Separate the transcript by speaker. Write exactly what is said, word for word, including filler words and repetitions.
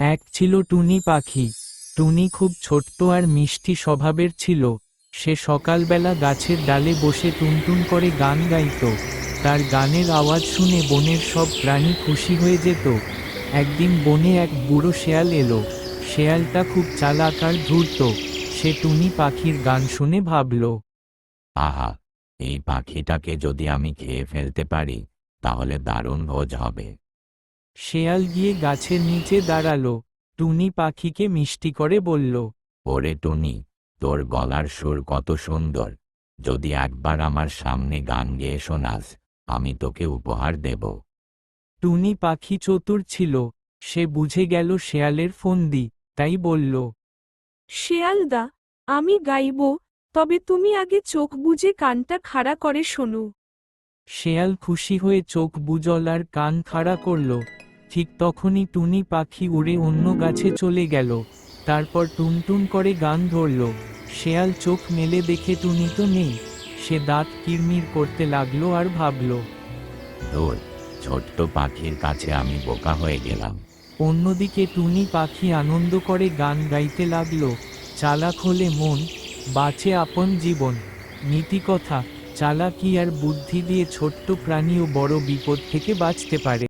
Speaker 1: এক ছিল টুনি পাখি। টুনি খুব ছোট্ট আর মিষ্টি স্বভাবের ছিল। সে সকালবেলা গাছের ডালে বসে টুনটুন করে গান গাইত। তার গানের আওয়াজ শুনে বনের সব প্রাণী খুশি হয়ে যেত। একদিন বনে এক বুড়ো শেয়াল এলো। শেয়ালটা খুব চালাক আর ধূর্ত। সে টুনি পাখির গান শুনে ভাবল,
Speaker 2: আহা, এই পাখিটাকে যদি আমি খেয়ে ফেলতে পারি তাহলে দারুণ ভোজ হবে।
Speaker 1: শেয়াল গিয়ে গাছের নিচে দাঁড়ালো। টুনি পাখিকে মিষ্টি করে বলল,
Speaker 2: ওরে টুনি, তোর গলার সুর কত সুন্দর। যদি একবার আমার সামনে গান গেয়ে শোনাস, আমি তোকে উপহার দেব।
Speaker 1: টুনি পাখি চতুর ছিল। সে বুঝে গেল শেয়ালের ফন্দি, তাই বলল,
Speaker 3: শেয়ালদা, আমি গাইব, তবে তুমি আগে চোখ বুজে কানটা খাড়া করে শোনো।
Speaker 1: শেয়াল খুশি হয়ে চোখ বুজল আর কান খাড়া করল। ঠিক তখনই টুনি পাখি উড়ে অন্য গাছে চলে গেল। তারপর টুনটুন করে গান ধরল। শেয়াল চোখ মেলে দেখে টুনি তো নেই। সে দাঁত কিরমির করতে লাগলো আর ভাবল,
Speaker 2: ধুর, ছোট্ট পাখির কাছে আমি বোকা হয়ে গেলাম।
Speaker 1: অন্যদিকে টুনি পাখি আনন্দ করে গান গাইতে লাগলো, চালাক হলে মন, বাঁচে আপন জীবন। নীতিকথা, চালাকি আর বুদ্ধি দিয়ে ছোট্ট প্রাণীও বড় বিপদ থেকে বাঁচতে পারে।